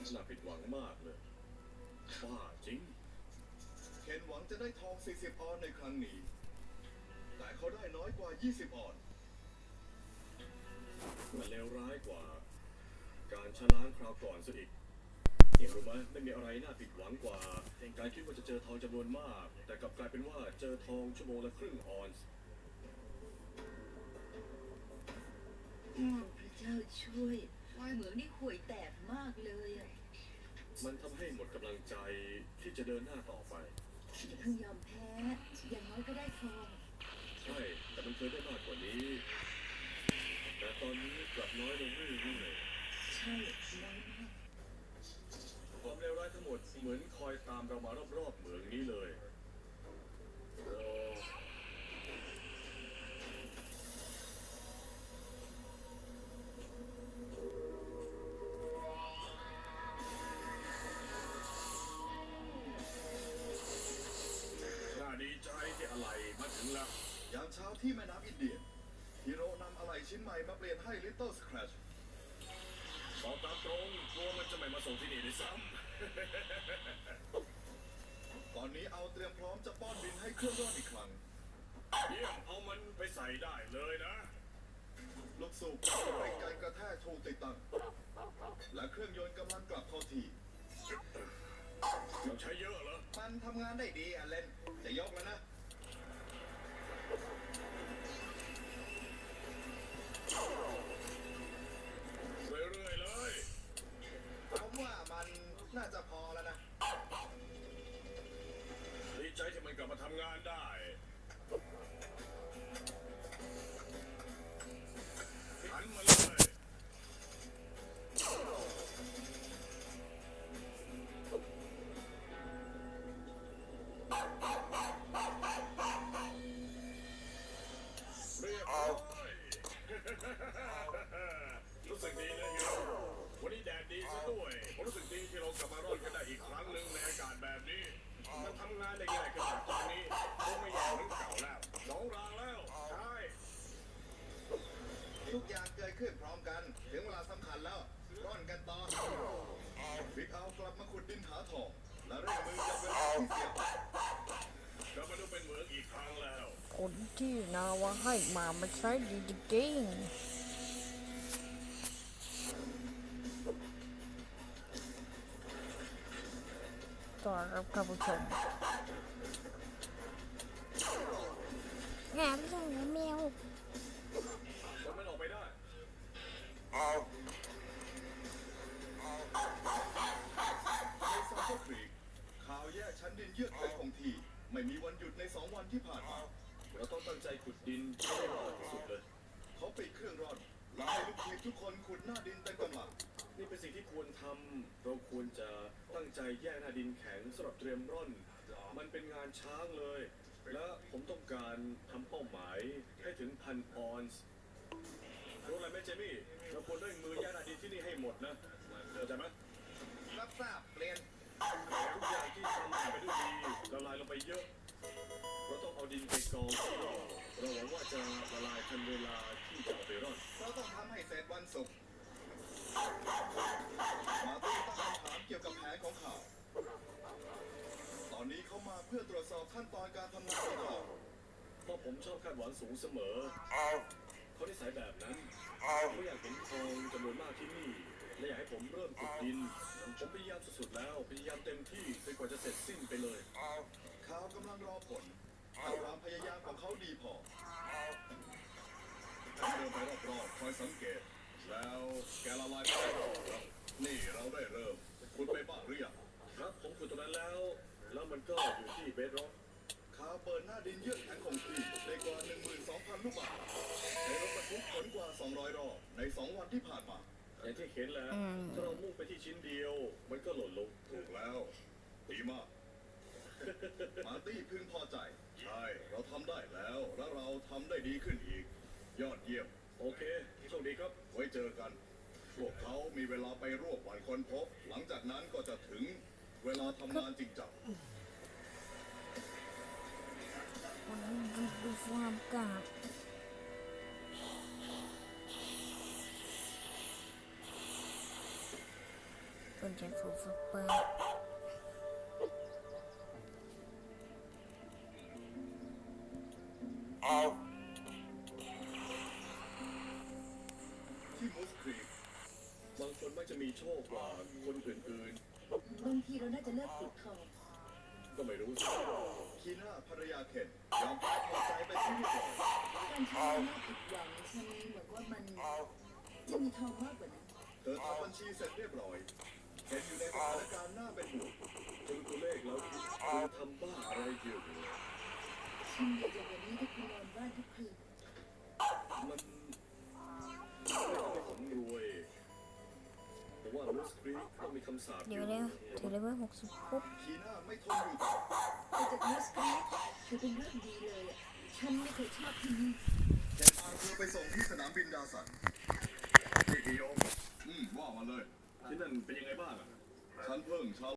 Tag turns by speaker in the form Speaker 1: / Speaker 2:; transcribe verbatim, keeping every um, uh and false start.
Speaker 1: น่าผิดหวังมากเลยบ้าจริง
Speaker 2: เคนหวังจะได้ทองสี่สิบออนในครั้งนี้แต่เขาได้น้อยกว่ายี่สิบออน
Speaker 1: มันเลวร้ายกว่าการชะล้างคราวก่อนซะอีกเห็นรู้ไหมไม่มีอะไรน่าผิดหวังกว่าการคิดว่าจะเจอทองจำนวนมากแต่กลับกลายเป็นว่าเจอทองชั่วโมงละครึ่งออนซ์
Speaker 3: พระเจ้าช่วยเหมืองนี่ห่วยแตกมากเลยอ่ะ
Speaker 1: มันทำให้หมดกำลังใจที่จะเดินหน้าต่อไป
Speaker 3: อย่าเพิ่งยอมแพ้อย่างน้อยก็ได้ทอง
Speaker 1: ใช่แต่มันเคยได้มากกว่านี้แต่ตอนนี้กลับน้อยลงเรื่อย
Speaker 3: ๆใช่น้อยมาก
Speaker 1: ความเลวร้ายทั้งหมดเหมือนคอยตามเรามารอบๆเหมืองนี้เลยดีใจที่อะไรมาถึงแล้ว
Speaker 2: ยามเช้าที่แม่น้ำอินเดียฮิโร่นำอะไหล่ชิ้นใหม่มาเปลี่ยนให้ Little Scratch
Speaker 1: บอกตามตรงกลัวมันจะไม่มาส่งที่นี่ด้วยซ้
Speaker 2: ำตอนนี้เอาเตรียมพร้อมจะป้อนดินให้เครื่องร่อนอีกครั้ง
Speaker 1: เยี่ยมเอามันไปใส่ได้เลยนะ
Speaker 2: ลูกสูบกับสปริงการกระแทกถูกติดตั้งและเครื่องยนต์กำลังกลับเข้าที่
Speaker 1: ต้องใช้เยอะเหรอ
Speaker 2: มันทำงานได้ดีอ่ะเล่นจะยกแล้วนะ
Speaker 1: เรื่อยๆเลย
Speaker 2: ผมว่ามันน่าจะพอแล้วนะ
Speaker 1: ดีใจที่มันกลับมาทำงานได้หันมาเลยรู้สึกดีนะฮิโร่วันนี้แดดดีซะด้วยผมรู้สึกดีที่เรากลับมาร่อนกันได้อีกครั้งหนึ่งในอากาศแบบนี้มันทำงานได้ง่ายขึ้นจากตอนนี้คงไม่แย่เหมือนเก่าแล้วสองรางแล้วใช่
Speaker 2: ทุกอย่างเกิดขึ้นพร้อมกันถึงเวลาสำคัญแล้วร่อนกันต่อบิ๊กเอากลับมาขุดดินหาทองและเร่งมือจับเวลาที่เสีย
Speaker 1: กลับมาดูเป็นเหมืองอีกครั้งแล้ว
Speaker 4: คนที่นาวาให้มาไม่ใช่ดีจริงต่อรับท่านผู้ชมงานเรื่องเนื้อแมว
Speaker 1: คนมันออกไปได้
Speaker 2: ในซาโตครีกข่าวแยกชั้นดินเยือกเป็นของทีไม่มีวันหยุดในสองวันที่ผ่านมา
Speaker 1: เราต้องตั้งใจขุดดินให้ได้มากที่สุดเลย
Speaker 2: เขาปิดเครื่องร่อนและให้ลูกทีมทุกคนขุดหน้าดินเต็มกำลัง
Speaker 1: นี่เป็นสิ่งที่ควรทำเราควรจะตั้งใจแยกหน้าดินแข็งสำหรับเตรียมร่อนมันเป็นงานช้างเลยและผมต้องการทำเป้าหมายให้ถึงพันออนซ์รู้อะไรไหมเจมี่เราควรเร่งมือแยกหน้าดินที่นี่ให้หมดนะเข้าใจไหม
Speaker 2: รับทราบเปลี่ยน
Speaker 1: ทุกอย่างที่ทำไปด้วยดีละลายลงไปเยอะเราต้องเอาดินไปกองเราหวังว่าจะละลายทันเวลาที่จะเอาไปร่อน
Speaker 2: เราต้องทำให้เสร็จวันศุกร์มาตี้ตั้งคำถามเกี่ยวกับแผนของเขาตอนนี้เขามาเพื่อตรวจสอบขั้นตอนการทำงานของเขา
Speaker 1: เพราะผมชอบคาดหวังสูงเสมอเขานิสัยแบบนั้นเขาอยากเห็นทองจำนวนมากที่นี่และอยากให้ผมเริ่มขุดดินผมพยายามสุดๆแล้วพยายามเต็มที่จนกว่าจะเสร็จสิ้นไปเลย
Speaker 2: เขากำลังรอผลถ้าความพยายามของเขาดีพอให้เดินไปรอบๆคอยสังเกตแล้วแกละลายไปแล้วนี่เราได้เริ่มขุดไปบ้างหรือยัง
Speaker 1: ครับผมขุดตรงนั้นแล้วแล้วมันก็อยู่ที่เบสร็อก
Speaker 2: เขาเปิดหน้าดินเยือกแข็งของทีได้กว่า หนึ่งหมื่นสองพัน ลูกบาศก์ใช้รถบรรทุกขนกว่าสองร้อยรอบในสองวันที่ผ่านมา
Speaker 1: อย่างที่เห็นแล้วถ้าเรามุ่งไปที่ชิ้นเดียวมันก็หล่นลง
Speaker 2: ถูกแล้วดีมากมาร์ตี้พึงพอใจใช่เราทำได้แล้วและเราทำได้ดีขึ้นอีกยอดเยี่ยม
Speaker 1: โอเคโชคดีครับ
Speaker 2: ไว้เจอกันพวกเขามีเวลาไปรวบวันคนพบหลังจากนั้นก็จะถึงเวลาทำงานจริงจัง
Speaker 4: วันนี้ดูฟาร์มกาดเป็นคนใจฟูฟูเปอร์
Speaker 2: ที่มูสครีก
Speaker 1: บางคนมักจะมีโชคกว่าคนอื่น
Speaker 3: บางทีเราน่าจะเลิกขุดทอง
Speaker 1: ๆ ก็ไม่รู้สิ
Speaker 2: คีน่าภรรยาเคนยอมแพ้พอใจไปที่เรียบร้อย
Speaker 3: การใช้หน้าผิดหวังฉันเหมือนว่ามันจะมีทองมากกว่านั้น
Speaker 2: เธอทำบัญชีเสร็จเรียบร้อยเคนอยู่ในสถานการณ์น่าเป็นห่วง
Speaker 1: จนตัวเลขแล้วคุณทำบ้าอะไรอยู่
Speaker 3: ฉันอยากจะวันนี้ที่คุณนอนบ้านทุกคืน
Speaker 1: มันไม่ทำให้ผมรวยผมว่าลูสครีกต้องมีคำสาปอ
Speaker 4: เดี๋ยว
Speaker 1: ยู่
Speaker 4: เร็วถึงเลเวลหกสิบปุ๊บ
Speaker 2: คีน่าไม่ทนอยู่ต่อ
Speaker 3: แต่จากมูสกรีทคือเป็นเรื่องดีเลยอะฉันไม่เคยชอบที่นี่
Speaker 2: เคนพาเธอไปส่งที่สนามบินดาสัน
Speaker 1: นี่กิโยม
Speaker 2: อืมว่ามาเลย
Speaker 1: ที่นั่นเป็นยังไงบ้างอะ
Speaker 2: ฉันเพิ่งชาว